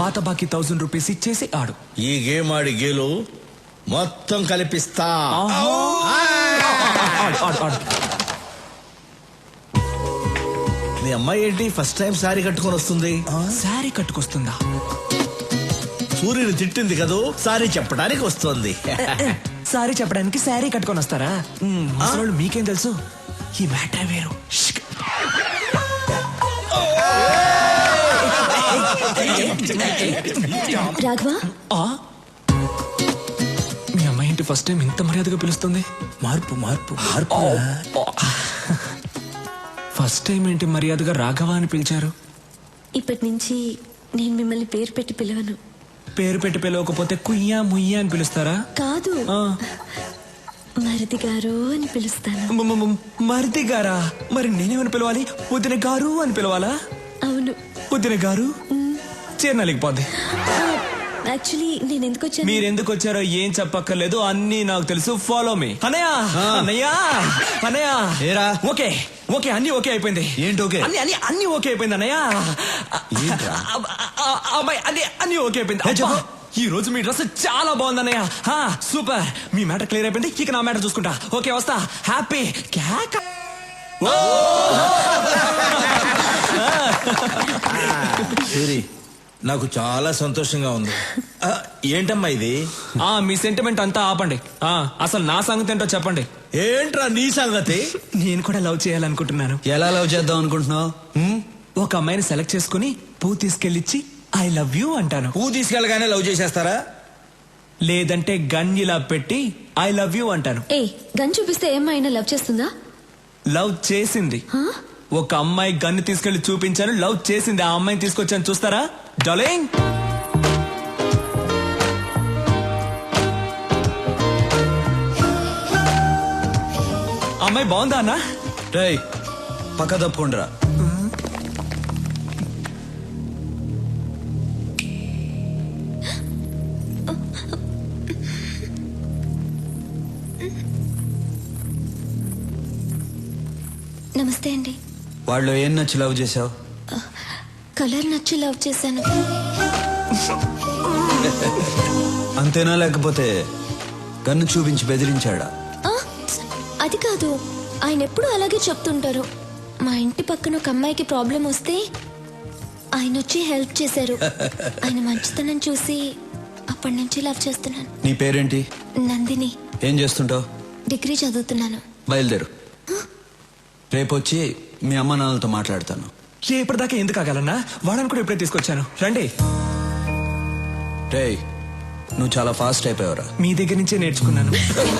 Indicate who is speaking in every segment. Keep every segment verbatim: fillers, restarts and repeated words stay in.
Speaker 1: పాత బాకీ thousand rupees ఇచ్చేసి ఆడు.
Speaker 2: ఈ గేమ్ ఆడి గేలు మొత్తం కలిపిస్తా. నీ అమ్మాయి ఏంటి ఫస్ట్ టైం సారీ కట్టుకొని వస్తుంది?
Speaker 1: సారీ కట్టుకొస్తుందా?
Speaker 2: సూర్యుని తిట్టింది కదూ, సారీ చెప్పడానికి వస్తుంది.
Speaker 1: సారీ చెప్పడానికి సారీ కట్టుకొని వస్తారా? అసలు మీకేం తెలుసు, ఈ మ్యాటర్ వేరు.
Speaker 3: రాఘవ,
Speaker 1: మీ అమ్మాయి ఏంటి ఫస్ట్ టైం ఇంత మర్యాదగా పిలుస్తుంది?
Speaker 2: మార్పు మార్పు మార్పు.
Speaker 1: ఫస్ట్ టైం ఏంటి మర్యాదగా రాఘవ అని పిలిచారు?
Speaker 3: ఇప్పటి నుంచి నేను మిమ్మల్ని పేరు పెట్టి పిలవను.
Speaker 1: పేరు పెట్టి పిలవకపోతే కుయ్యా ముయ్యా అని పిలుస్తారా?
Speaker 3: కాదు, మరిది గారు అని పిలుస్తాను.
Speaker 1: మరిది గారా? మరి నేనేమని పిలవాలి? వదిన గారు అని పిలవాలా?
Speaker 3: అవును.
Speaker 1: వదిన గారు చేరనలేకపోద్ది.
Speaker 3: యాక్చువల్లీ నేను ఎందుకు వచ్చాను,
Speaker 1: మీరు ఎందుకు వచ్చారో ఏం చెప్పక్కర్లేదు, అన్ని నాకు తెలుసు. Follow me. అన్నయ్య అన్నయ్య అన్నయ్య
Speaker 2: ఏరా?
Speaker 1: ఓకే ఓకే అన్ని ఓకే అయిపోయింది.
Speaker 2: ఏంటి ఓకే?
Speaker 1: అన్ని అన్ని అన్ని ఓకే అయిపోయింది అన్నయ్య. అమ్మాయి అన్ని అన్ని ఓకే అయిపోయింది. ఈ రోజు మీ డ్రెస్ చాలా బాగుంది అన్నయ్య. సూపర్. మీ మ్యాటర్ క్లియర్ అయిపోయింది, ఇక నా మ్యాటర్ చూసుకుంటా. ఓకే వస్తా. హ్యాపీ క్యాక్.
Speaker 2: సూరి, నాకు చాలా సంతోషంగా ఉంది. ఏంటమ్మా ఇది?
Speaker 1: ఆ మీ సెంటిమెంట్ అంతా ఆపండి. ఆ అసలు నా సంగతి ఏంటో చెప్పండి.
Speaker 2: ఏంట్రా నీ సంగతి?
Speaker 1: నేను కూడా లవ్ చేయాలనుకుంటున్నాను.
Speaker 4: ఎలా లవ్ చేద్దాం అనుకుంటున్నావు?
Speaker 1: ఒక అమ్మాయిని సెలెక్ట్ చేసుకుని పూ తీసుకెళ్ళిచ్చి ఐ లవ్ యూ అంటాను.
Speaker 2: పూ తీసుకెళ్ళగానే లవ్ చేసేస్తారా?
Speaker 1: లేదంటే గన్ ఇలా పెట్టి ఐ లవ్ యూ అంటాను.
Speaker 3: ఏ గన్ చూపిస్తే ఏమైనా లవ్ చేస్తుందా?
Speaker 1: లవ్ చేసింది. ఒక అమ్మాయి గన్ను తీసుకెళ్లి చూపించాను, లవ్ చేసింది. ఆ అమ్మాయిని తీసుకొచ్చాను, చూస్తారా డార్లింగ్? అమ్మాయి బాగుందా అన్న?
Speaker 4: రేయ్ పక్క తప్పుకుండ్రా.
Speaker 3: నమస్తే అండి.
Speaker 4: వాళ్ళు ఏం నచ్చి లవ్ చేసావు?
Speaker 3: కలర్ నచ్చి లవ్ చేశాను.
Speaker 4: అంతేనా, లేకపోతే గన్ను చూపించి బెదిరించాడా?
Speaker 3: అది కాదు, ఆయన ఎప్పుడు అలాగే చెప్తుంటారు. మా ఇంటి పక్కన ఒక అమ్మాయికి ప్రాబ్లం వస్తే ఆయన వచ్చి హెల్ప్ చేశారు. ఆయన మంచితనం చూసి అప్పటి నుంచి లవ్ చేస్తున్నాను.
Speaker 4: నీ పేరేంటి?
Speaker 3: నందిని.
Speaker 4: ఏం చేస్తుంటావు?
Speaker 3: డిగ్రీ చదువుతున్నాను.
Speaker 4: బయలుదేరు, రేపు వచ్చి మీ అమ్మ నాన్నలతో మాట్లాడతాను.
Speaker 1: ఇప్పటిదాకా ఎందుకు ఆగాలన్నా? వాడని కూడా ఇప్పుడే తీసుకొచ్చాను, రండి.
Speaker 4: రేయ్ నువ్వు చాలా ఫాస్ట్ అయిపోయావురా.
Speaker 1: మీ దగ్గర నుంచే నేర్చుకున్నాను.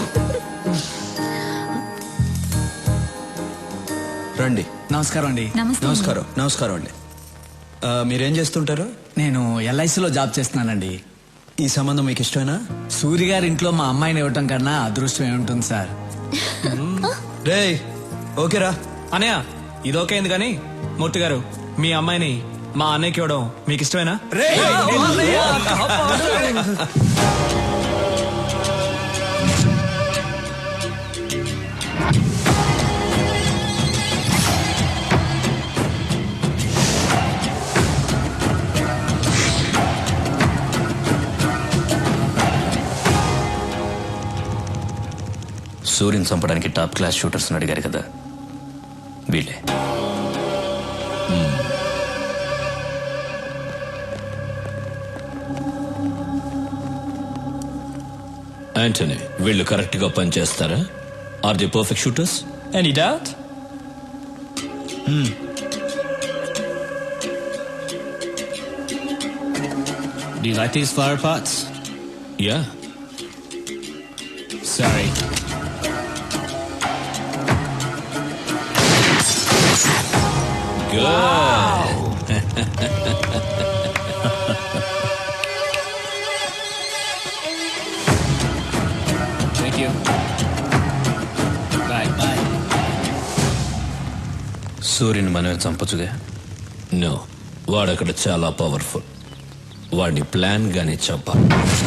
Speaker 4: రండి.
Speaker 5: నమస్కారం అండి.
Speaker 4: నమస్కారం. నమస్కారం అండి. మీరేం చేస్తుంటారు?
Speaker 5: నేను ఎల్ఐసిలో జాబ్ చేస్తున్నానండి.
Speaker 4: ఈ సంబంధం మీకు ఇష్టమేనా?
Speaker 5: సూర్య గారి ఇంట్లో మా అమ్మాయిని ఇవ్వటం కన్నా అదృష్టం ఏముంటుంది సార్.
Speaker 4: రేయ్ ఓకేరా
Speaker 1: అన్నయ్య, ఇది ఓకే అయింది కానీ మూర్తి గారు, మీ అమ్మాయిని మా అన్నయ్యకి ఇవ్వడం మీకు ఇష్టమేనా?
Speaker 6: సూర్యుని చంపడానికి టాప్ క్లాస్ షూటర్స్ అడిగారు కదా, వీళ్ళే. యాంటనీ, వీళ్ళు కరెక్ట్ గా పనిచేస్తారా? Are the perfect shooters? Any doubt?
Speaker 7: Do you like these flower pots?
Speaker 6: Yeah.
Speaker 7: Sorry.
Speaker 6: Good.
Speaker 7: Wow. Thank you. Bye. Bye.
Speaker 6: సూర్యుని మనమే చంపచ్చుగా? నో, వాడక్కడ చాలా పవర్ఫుల్. వాడిని ప్లాన్ గానే చంపాలి.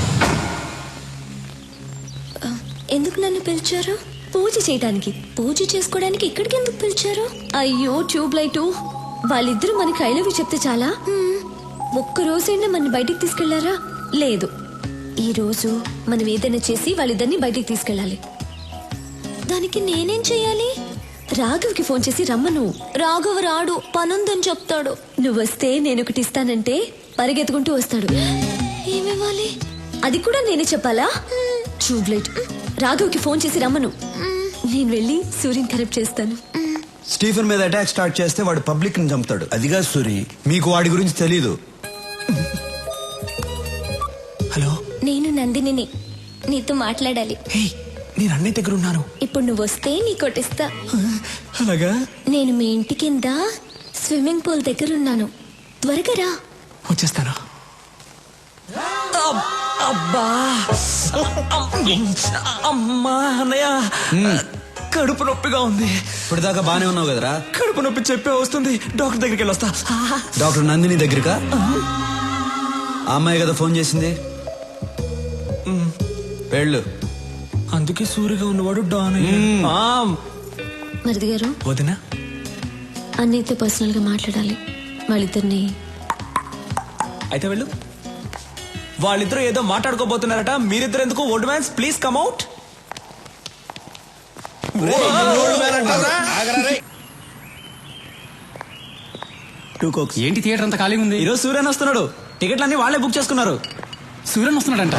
Speaker 3: ఎందుకు నన్ను పిలిచారు? పూజ చేయడానికి. పూజ చేసుకోవడానికి ఇక్కడికి ఎందుకు పిలిచారు? అయ్యో ట్యూబ్ లైట్, వాళ్ళిద్దరూ మనకి ఐ లవ్ యూ చెప్తే చాలా. ఒక్క రోజైనా మన బయటికి తీసుకెళ్లారా? లేదు. ఈ రోజు మనం ఏదైనా చేసి వాళ్ళిద్దరిని బయటికి తీసుకెళ్ళాలి. దానికి నేనేం చెయ్యాలి? రాఘవ్కి ఫోన్ చేసి రమ్మను. రాఘవ్ రాడు, పనుందని చెప్తాడు. నువ్వు వస్తే నేను ఒకటి ఇస్తానంటే పరిగెత్తుకుంటూ వస్తాడు. ఏమివ్వాలి? అది కూడా నేనే చెప్పాలా? ట్యూబ్లైట్. రాఘవ్కి ఫోన్ చేసి రమ్మను. నేను వెళ్ళి సూర్యుని కరెక్ట్ చేస్తాను.
Speaker 4: స్టీఫెన్ మీద అటాక్ స్టార్ట్ చేస్తే వాడు పబ్లిక్ ని చంపుతాడు.
Speaker 2: అదిగా సూరి.
Speaker 4: మీకు వాడి గురించి తెలీదు.
Speaker 1: హలో,
Speaker 3: నేను నందినిని. నీతో మాట్లాడాలి.
Speaker 1: హే, నేను అన్నయ్య దగ్గర ఉన్నాను.
Speaker 3: ఇప్పుడు నువ్వు వస్తే నీ కొట్టిస్తా.
Speaker 1: అలాగా?
Speaker 3: నేను మీ ఇంటి కింద స్విమ్మింగ్ పూల్ దగ్గర ఉన్నాను. త్వరగా రా.
Speaker 1: వచ్చేస్తాను. అబ్- అబ్బా, అమ్మా అన్నయ్య, కడుపు నొప్పిగా ఉంది.
Speaker 4: ఇప్పుడు దాకా బానే ఉన్నావు కదరా.
Speaker 1: కడుపు నొప్పి చెప్పే వస్తుంది. డాక్టర్ దగ్గరికి వెళ్ళొస్తా.
Speaker 4: డాక్టర్ నందిని దగ్గరకా? ఆ అమ్మాయి కదా ఫోన్ చేసింది. వెళ్ళు.
Speaker 1: అందుకే సూరిగా ఉన్నవాడు డాన్ అయ్యాడు. ఆ,
Speaker 3: మరిది గారు,
Speaker 1: వదినా,
Speaker 3: అన్నయ్యతో పర్సనల్ గా మాట్లాడాలి. వాళ్ళిద్దరిని
Speaker 1: అయితే వెళ్ళు. వాళ్ళిద్దరూ ఏదో మాట్లాడుకోబోతున్నారట. మీరిద్దరు ఎందుకు? Old mans please come out.
Speaker 2: Two cokes.
Speaker 7: ఏంటి థియేటర్ అంతా ఖాళీగా ఉంది?
Speaker 5: ఈరోజు సూర్యన్ వస్తున్నాడు. టికెట్లన్నీ వాళ్ళే బుక్ చేసుకున్నారు.
Speaker 7: Suryan వస్తున్నాడంట.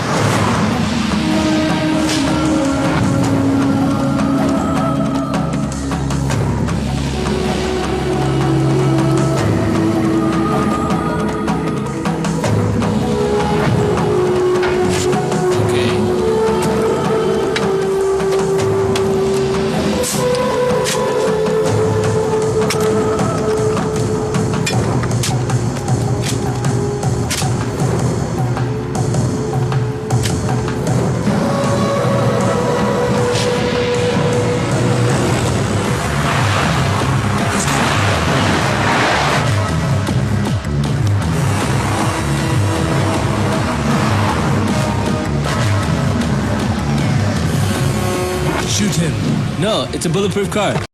Speaker 6: Shoot him.
Speaker 7: No, it's a bulletproof car.